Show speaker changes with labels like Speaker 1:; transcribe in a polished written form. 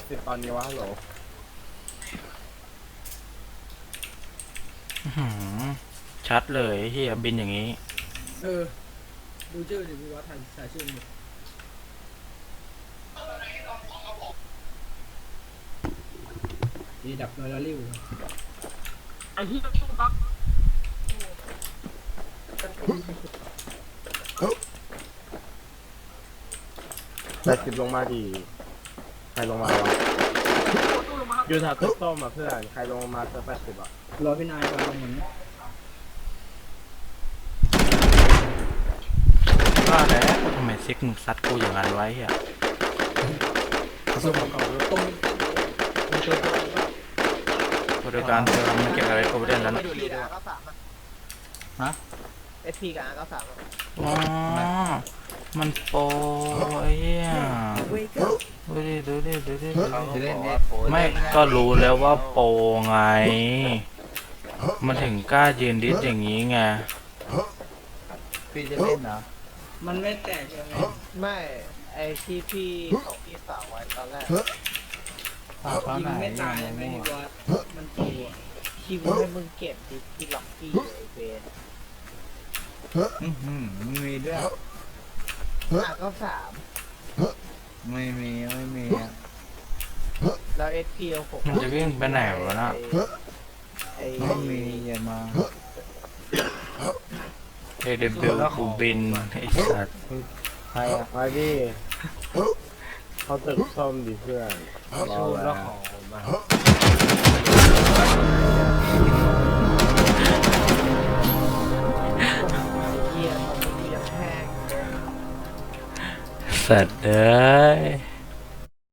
Speaker 1: 80ตอนนี้วะฮัลโหล
Speaker 2: ชัดเลยเฮียบินอย่างนี้
Speaker 3: ดูชื่อดิพี่วัดถ่ายชื่อดิดีดับโนราลิว
Speaker 1: ไอ้ที่ตู้บัก80ลงมาดีใครลงมาวะอยู่แถวตึกส้มอ่ะเพื่อนใครลงมาเจอ80อ่ะ
Speaker 3: รอพี่นายก่อนลงเหมือน
Speaker 2: ว่าแล้วทำไมซิกมึงซัดกูอย่างนั้นไว้เฮีย
Speaker 3: ส่วนของเขาตรงมีตัว
Speaker 2: บริการเติมมันเก็บอะไรกูไม่ได้แล้วนะ
Speaker 4: SP กับ R93
Speaker 2: ฮะ
Speaker 4: SP กับ R93
Speaker 2: อ๋อมันโปรไอ้เหี้ยดูดิไม่ก็รู้แล้วว่าโปรไงมันถึงกล้ายืนดิสอย่างนี้ไง
Speaker 5: พี่จะเล่นเหรอ
Speaker 3: มันไม่แตกยังไง
Speaker 4: ไม่ไอที่พี่ส่งพี่สาวไว้ตอนแรก
Speaker 5: ฝากเขา
Speaker 3: ยิ
Speaker 5: ไหน
Speaker 3: งไม่ตาย
Speaker 5: ยัง
Speaker 3: ไม่
Speaker 5: ไม่
Speaker 3: ดีกว่ามันตัว
Speaker 4: คิวให้มึงเก็บดิที่ล็อกกี้ไอเวน
Speaker 5: มีด้วย
Speaker 4: R93
Speaker 5: ไม่มีอ่ะ
Speaker 4: แล้ว SP เอา6
Speaker 2: มันจะวิ่งไปไหนวะน่ะ
Speaker 4: ไอ้
Speaker 5: ไม่มีอย่ามา
Speaker 2: AW กูบินไอ้สัตว์
Speaker 5: ใครอ่ะ
Speaker 1: มาดิเขาตึกส้มดิเพื่อนรอแล้วมา
Speaker 4: เหี้ยตอนนี้กูยังแห้ง
Speaker 2: สัตว์เอ้ย